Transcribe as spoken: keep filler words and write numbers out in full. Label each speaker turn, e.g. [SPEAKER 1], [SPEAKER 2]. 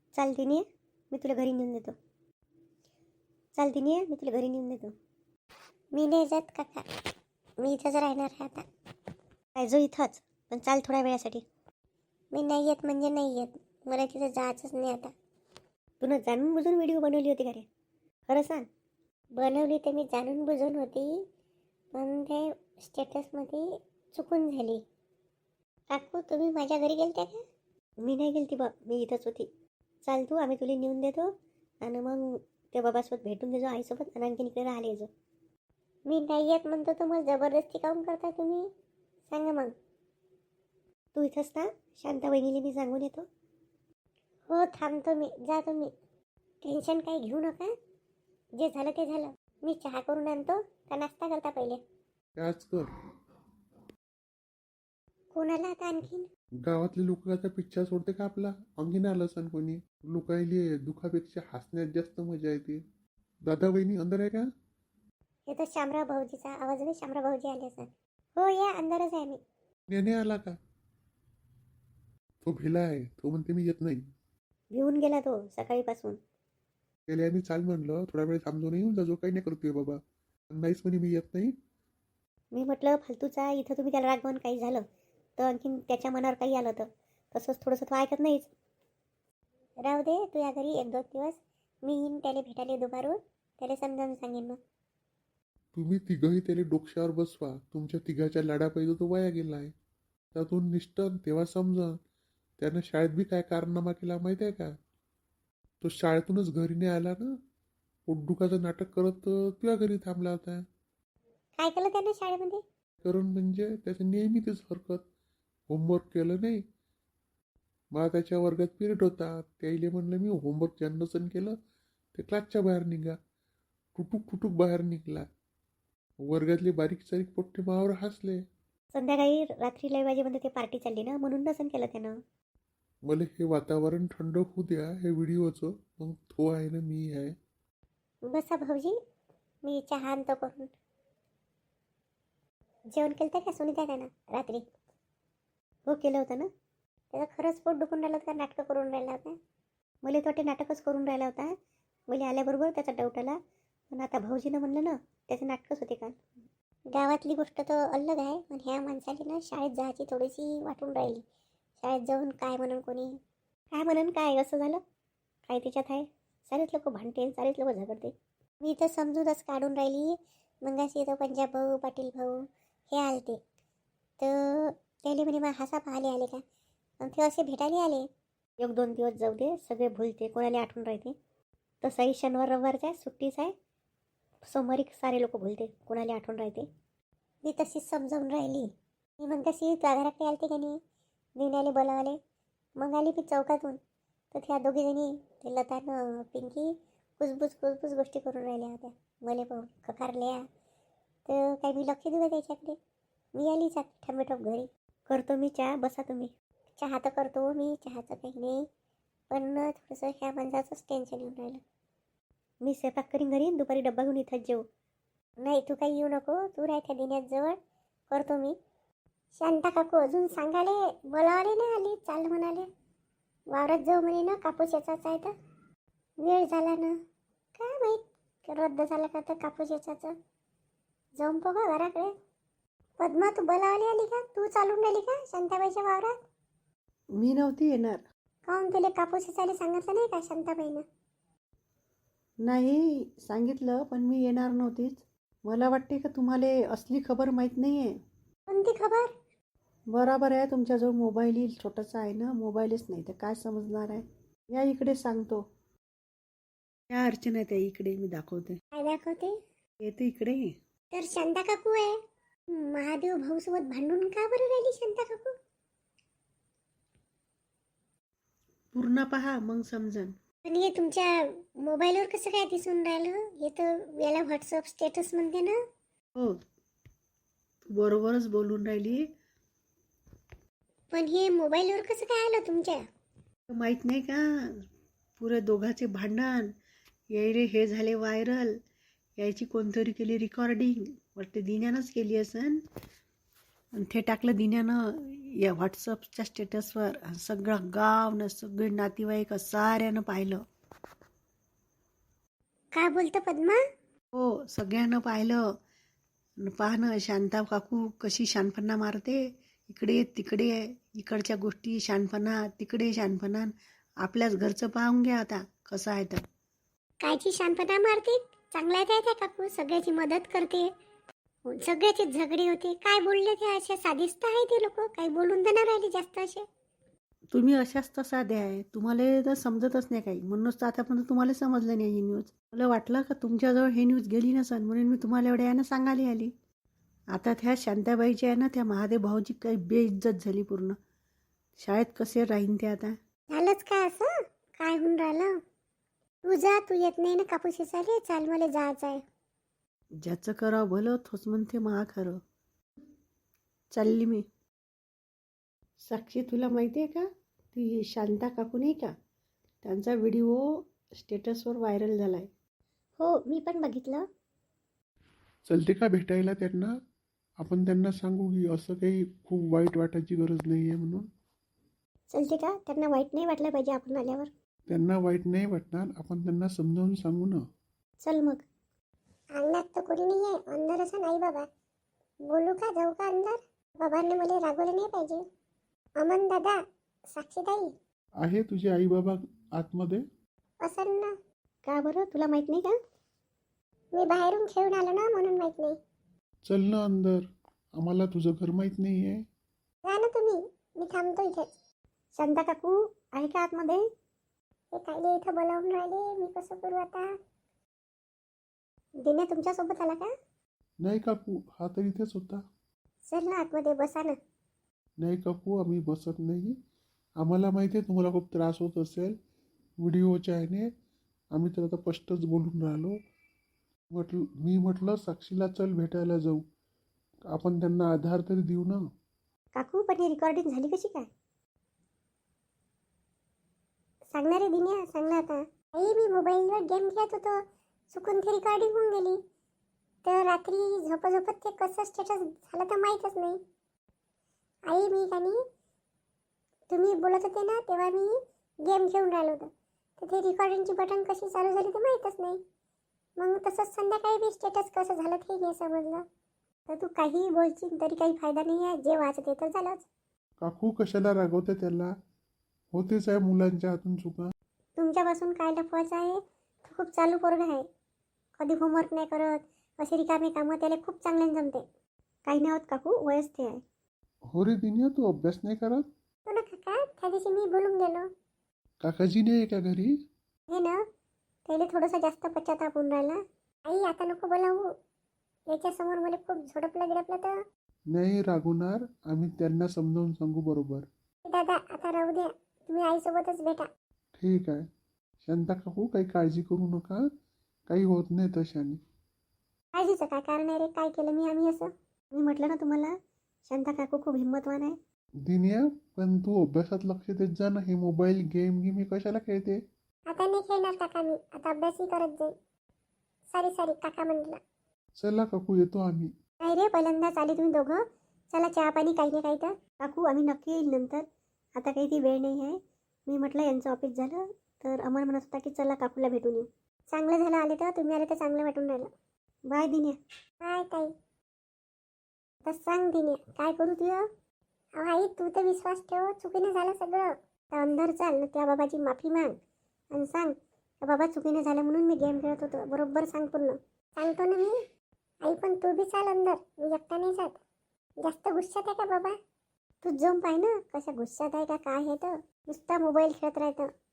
[SPEAKER 1] चाल दिनी मी तुला घरी नेऊन देतो. चाल दिनी मी तुला घरी नेऊन देतो.
[SPEAKER 2] मी नाही जात काका, मी इथंच राहणार आहे आता.
[SPEAKER 1] काय जो इथंच, पण चाल थोड्या वेळासाठी.
[SPEAKER 2] मी नाही येत म्हणजे नाही येत, मला तिथं जायचंच नाही आता.
[SPEAKER 1] तुला जाणून बुजून व्हिडिओ बनवली होती का रे? खरं सांग.
[SPEAKER 2] बनवली तर मी जाणून बुजून होती, पण ते स्टेटसमध्ये चुकून झाली. काकू तुम्ही माझ्या घरी गेलते का?
[SPEAKER 1] मी नाही गेलती बा, मी इथंच होती. चाल तू, आम्ही तुला नेऊन देतो आणि मग त्या बाबासोबत भेटून देजो आईसोबत आणि आणखीन इकडे राहिले जो.
[SPEAKER 2] मी नाही येत म्हणतो तर मग जबरदस्ती काऊन करता तुम्ही? सांगा मग.
[SPEAKER 1] तू इथंच ना, शांता वहिनीला मी सांगून येतो.
[SPEAKER 2] हो थांबतो मी, जा तुम्ही. टेन्शन काही घेऊ नका, जे झालं ते झालं. मी चहा करून आणतो का नाश्ता करता पहिले?
[SPEAKER 3] त्याच कर.
[SPEAKER 2] कोणाला आता आणखीन?
[SPEAKER 3] गावातले लोक आता पिक्चर सोडते का आपला? अंगीन आलं सण कोणी? लोकायले दुखापेक्षा हसण्यात जास्त मजा येते. दादा वहिनी अंदर आहे का?
[SPEAKER 2] हे तर शामराव भाऊजीचा आवाज आहे. शामराव भाऊजी आले सर. हो या, अंदरच आहे मी.
[SPEAKER 3] नेने आला का? तो भिला आहे, तो म्हणते मी येत नाही.
[SPEAKER 1] भिवून गेला तो सकाळीपासून.
[SPEAKER 3] त्याला आम्ही चाल म्हणलं, थोडा वेळ थांबतो नाही येऊन जा, जो काही नाही करतोय बाबा. नाहीच म्हणे मी येत नाही.
[SPEAKER 1] मी म्हटलं फालतूचा, इथं तुम्ही त्याला रागवून काही झालं तर आणखीन त्याच्या मनावर काही आलं तर तसंच थोडंसं तो ऐकत नाहीच.
[SPEAKER 2] राहू दे, तू या घरी एक दोन दिवस. मी येईन त्याला भेटायला दुपारून, त्याला समजावून सांगेन मग.
[SPEAKER 3] तुम्ही तिघही त्याला डोक्यावर बसवा. तुमच्या तिघाच्या लाडापायी तो वाया गेलाय. त्यातून निष्ठन तेव्हा समजन त्यानं शाळेत बी काय कारनामा केला माहिती आहे का? तो शाळेतूनच घरी नाही आला ना, पोटदुखाचं नाटक करत तुझ्या घरी थांबला होता.
[SPEAKER 2] काय केलं त्यानं शाळेमध्ये?
[SPEAKER 3] कारण म्हणजे त्याचं नेहमी तीच हरकत. होमवर्क केलं नाही. मला त्याच्या वर्गात पिरियड होता, त्याईले म्हणलं मी होमवर्क ज्यांना नसन केलं ते क्लासच्या बाहेर निघा. टुटूक टुटूक बाहेर निघला. वर्गातले बारीक सारीक पोट्टे मावर हसले.
[SPEAKER 1] संध्याकाळी रात्री लय वाजेपर्यंत ते पार्टी चालली ना, म्हणून नसन केलं त्यानं.
[SPEAKER 3] मला हे वातावरण थंड होऊ द्या हे व्हिडिओचं, मग तो आहे ना मी आहे.
[SPEAKER 2] बसा भाऊजी, मी चहा आणतो करून. जेवण केलं तर का सुनीता त्यानं रात्री?
[SPEAKER 1] हो केलं होतं ना.
[SPEAKER 2] त्याचं खरंच पोट दुखून राहिलं होतं का नाटकं करून राहिला होता?
[SPEAKER 1] मला तो वाटे नाटकच करून राहिला होता. मला आल्याबरोबर त्याचा डाऊट आला, पण आता भाऊजीनं म्हणलं ना त्याचे नाटकच होते काल.
[SPEAKER 2] गावातली गोष्ट तर अलग आहे, पण ह्या माणसाली ना शाळेत जायची थोडीशी वाटून राहिली. शाळेत जाऊन काय म्हणून कोणी
[SPEAKER 1] काय म्हणून काय असं झालं काय त्याच्यात आहे? सारेच लोक भांडते, सारेच लोक झगडते.
[SPEAKER 2] मी तर समजूनच काढून राहिली. मग अशी तो पंजाब भाऊ, पाटील भाऊ हे आलते तर त्याले म्हणे मग हसा पाहाले आले का? मग ते असे भेटायला आले.
[SPEAKER 1] एक दोन दिवस जाऊ दे, सगळे भुलते, कोणाला आठवण राहते. तसाही शनिवार रविवारचा सुट्टीच आहे, सोमवारी सारे लोक भुलते, कोणाला आठवण राहते.
[SPEAKER 2] मी तशीच समजावून राहिली. मी मग कशी घराकडे आलते का नाही, दिवण्याले बोलावले. मग आली मी चौकातून, तर त्या दोघीजणी ते लतानं पिंकी कुसबुस कुसबुस गोष्टी करून राहिल्या होत्या. मला पाहून खकारल्या तर काही मी लक्ष दिलं त्याच्याकडे. मी आली चाक ठमेठोप घरी.
[SPEAKER 1] करतो मी चहा, बसा तुम्ही.
[SPEAKER 2] चहा तर करतो मी, चहाचं काही नाही, पण थोडंसं ह्या माणसाचंच टेन्शन येऊन राहिलं.
[SPEAKER 1] मी स्वयंपाक करीन घरी, दुपारी डब्बा घेऊन इथंच जेऊ.
[SPEAKER 2] नाही तू काही येऊ नको, तू राह त्या दिन्यात जवळ, करतो मी. शांता काकू अजून सांगाले बोलावले नाही आली, चाल म्हणाले वावरात जाऊ म्हणे ना, कापूस याचाच आहे तर वेळ झाला ना. काय माहीत रद्द झाला का तर कापूस याचाचं. जाऊन बघा घराकडे. पद्मा तू बोलावली आली का? तू चालून राहिली का शांताबाईच्या वावरात?
[SPEAKER 1] मी नव्हती येणार.
[SPEAKER 2] काहून तुला कापूस याचायला सांगितलं नाही का शांताबाईनं?
[SPEAKER 1] नाही सांगितलं, पण मी येणार नव्हतीच. मला वाटते का तुम्हाला असली खबर माहीत नाही आहे.
[SPEAKER 2] कोणती खबर?
[SPEAKER 1] बरोबर आहे, तुमच्याजवळ मोबाईल येईल छोटासा आहे ना, मोबाईलच नाही तर काय समजणार आहे. या इकडे सांगतो. या अर्चना त्या इकडे, मी दाखवते.
[SPEAKER 2] काय दाखवते?
[SPEAKER 1] येते इकडे.
[SPEAKER 2] तर शांता काकू आहे. महादेव भाऊ सोबत भांडून का बरं राहिली शांता काकू?
[SPEAKER 1] पूर्ण पहा मग समजन.
[SPEAKER 2] पण हे तुमच्या मोबाईलवर कसं काय दिसून राहिलं? हे तर याला व्हॉट्सअप स्टेटस म्हणते ना.
[SPEAKER 1] हो बरोबरच बोलून राहिली.
[SPEAKER 2] पण हे मोबाईलवर कसं काय आलं तुमच्या?
[SPEAKER 1] माहीत नाही का, पुरे दोघांचे भांडण यायले हे झाले व्हायरल. यायची कोणतरी केली रेकॉर्डिंग, वाटते दिन्यानंच केली असन. आणि ते टाकलं दिन्यानं या व्हॉट्सअपच्या स्टेटसवर. सगळं गाव न सगळे नातेवाईक साऱ्यानं पाहिलं.
[SPEAKER 2] काय बोलतं पद्मा?
[SPEAKER 1] हो, सगळ्यांना पाहिलं. न पाहणं शांता काकू कशी शानपणा मारते. इकडे तिकडे इकडच्या गोष्टी शानपणा, तिकडे शानपणा. आपल्याच घरचं पाहून घ्या आता कसं आहे तर.
[SPEAKER 2] कायची शांतता मारते? चांगला आहे त्या काकू, सगळ्याची मदत करते, सगळ्याचे झगडे होते. काय बोलले ते? असे साधिस्त आहे ते लोक, काही बोलून तर नाही राहिले जास्त असे.
[SPEAKER 1] तुम्ही अशाच तर साधे आहे, तुम्हाला तर समजतच नाही काही, म्हणूनच तर आतापर्यंत तुम्हाला समजलं नाही ही न्यूज. मला वाटलं का तुमच्याजवळ ही न्यूज गेली नसन, म्हणून मी तुम्हाला एवढ्या यानं सांगायला आली. आता त्या शांताबाईची आहे ना, त्या महादेव भाऊची काही बेइज्जत झाली पूर्ण. शाळेत कसे राहीन ते आता.
[SPEAKER 2] झालंच काय असं? काय होऊन राहिलं? तू जा, तू येत नाही ना कापूस चाले, चाल मला जायचं आहे.
[SPEAKER 1] ज्याचं करावं भलं तोच म्हणते महा खरं. चालली मी. साक्षी, तुला माहिती आहे का, ती शांता काकू नाही का, त्यांचा व्हिडिओ स्टेटसवर व्हायरल झाला आहे.
[SPEAKER 2] हो, मी पण बघितलं.
[SPEAKER 3] चलते का भेटायला त्यांना? आपण त्यांना सांगू की असं काही खूप वाईट वाटायची गरज नाही आहे म्हणून.
[SPEAKER 2] चलते का? त्यांना वाईट नाही वाटलं पाहिजे आपण आल्यावर.
[SPEAKER 3] त्यांना वाईट नाही वाटणार, आपण त्यांना समजावून सांगू ना.
[SPEAKER 2] चल मग. अंगणात तर कोणी नाही आहे, अंदर असं नाही बाबा. बोलू का, जाऊ का अंदर? बाबांनी मला रागवलं नाही पाहिजे. अमन दादा, साक्षीताई.
[SPEAKER 3] आहे तुझे आई बाबा आतमध्ये?
[SPEAKER 2] असेल ना.
[SPEAKER 1] का बरं, तुला माहित नाही का?
[SPEAKER 2] मी बाहेरून खेळून आलो ना, म्हणून माहित नाही.
[SPEAKER 3] चल ना अंदर, आम्हाला तुझं घर माहीत नाही आहे.
[SPEAKER 2] जा ना तुम्ही, मी थांबतो इथेच.
[SPEAKER 1] शांता काकू आहे का आतमध्ये?
[SPEAKER 2] हे कायले इथं बोलावून राहिले, मी कसं करू आता? दिन्या तुमच्यासोबत आला का?
[SPEAKER 3] नाही काकू, हा तर इथेच होता.
[SPEAKER 2] चल ना आतमध्ये, बसा ना.
[SPEAKER 3] नाही काकू, आम्ही बसत नाही. आम्हाला माहिती आहे तुम्हाला खूप त्रास होत असेल व्हिडिओच्या ह्याने. आम्ही तर आता स्पष्टच बोलून राहिलो. म्हटलं मी म्हटलं साक्षीला चल भेटायला जाऊ, आपण त्यांना आधार तरी देऊ ना.
[SPEAKER 2] काकू, पण ही रेकॉर्डिंग झाली कशी काय? सांगणार आहे दिन्या, सांग ना आता. आई, मी मोबाईलवर गेम खेळत होतो, चुकून ती रेकॉर्डिंग होऊन गेली. तर रात्री झोपत झोपत ते कसं स्टेटस झालं तर माहीतच नाही. आई, मी का नाही, तुम्ही बोलत होते ना तेव्हा मी गेम खेळून राहिलो होतो, तर ते रेकॉर्डिंगची बटन कशी चालू झाली तर माहीतच नाही. मग तसंच संध्याकाळी बी स्टेटस कसं झालं ते नाही समजलं. तर तू काही बोलशील तरी काही फायदा नाही आहे, जे वाचत ते तर झालंच.
[SPEAKER 3] काकू कशाला रागवते त्याला? होतेच आहे मुलांच्या हातून चुका.
[SPEAKER 2] तुमच्यापासून काय लपवायचं आहे? तो खूप चालू पोरगा आहे, कधी होमवर्क नाही करत, असे रिकामे कामं त्याला खूप चांगल्याने जमते.
[SPEAKER 1] काही नाही होत काकू, वयच ते आहे.
[SPEAKER 3] हो रे दिन्या, तू अभ्यास नाही करत?
[SPEAKER 2] तो ना काका, त्या दिवशी मी बोलून गेलो.
[SPEAKER 3] काकाजी नाही आहे का घरी?
[SPEAKER 2] हे ना, त्याला थोडंसं जास्त पश्चाताप होऊन राहिला. आई, आता नको बोलावू, याच्यासमोर मला खूप झोडपलं गिडपलं तर.
[SPEAKER 3] नाही रागवणार, आम्ही त्यांना समजावून सांगू बरोबर.
[SPEAKER 2] दादा, आता राहू द्या, तुम्ही आईसोबतच भेटा.
[SPEAKER 3] ठीक आहे शांता काकू, काही काळजी करू नका, काही होत नाही तशाने.
[SPEAKER 2] काळजीचं काय कारण आहे रे? काय केलं मी आम्ही असं?
[SPEAKER 1] मी म्हटलं ना तुम्हाला, शांता काकू खूप हिंमतवान आहे.
[SPEAKER 3] दिन्या, पण तू अभ्यासात लक्ष देत जा ना. हे मोबाईल गेम गी मी कशाला खेळते?
[SPEAKER 2] आता नाही खेळणार काका मी, आता अभ्यासही करत जाईल. सॉरी सॉरी काका म्हटलं.
[SPEAKER 3] चला काकू, येतो आम्ही.
[SPEAKER 2] नाही रे, पहिल्यांदाच आले तुम्ही दोघं. चला चहा पाणी काही ना काही तर.
[SPEAKER 1] काकू, आम्ही नक्की येईल नंतर, आता काही ती वेळ नाही आहे. मी म्हटलं यांचं ऑफिस झालं तर अमर म्हणत होता की चला काकूला भेटून येऊ.
[SPEAKER 2] चांगलं झालं आले तर, तुम्ही आले तर चांगलं वाटून राहिलं.
[SPEAKER 1] बाय दिन्या.
[SPEAKER 2] काय ताई? आता सांग दिने, काय करू तुझं? अहो आई, तू तर विश्वास ठेव, चुकीने झालं सगळं. तर अंदर चाल, त्या बाबाची माफी माग आणि सांग त्या बाबा चुकीने झालं म्हणून मी गेम खेळत होतो, बरोबर सांग पूर्ण. सांगतो ना मी. आई, पण तू बी चाल अंदर, मी एकटा नाही जात. जास्त गुस्सात आहे का बाबा? तू जाऊन पाय ना कशा गुस्सात आहे का काय आहे तर. नुसता मोबाईल खेळत राहतं.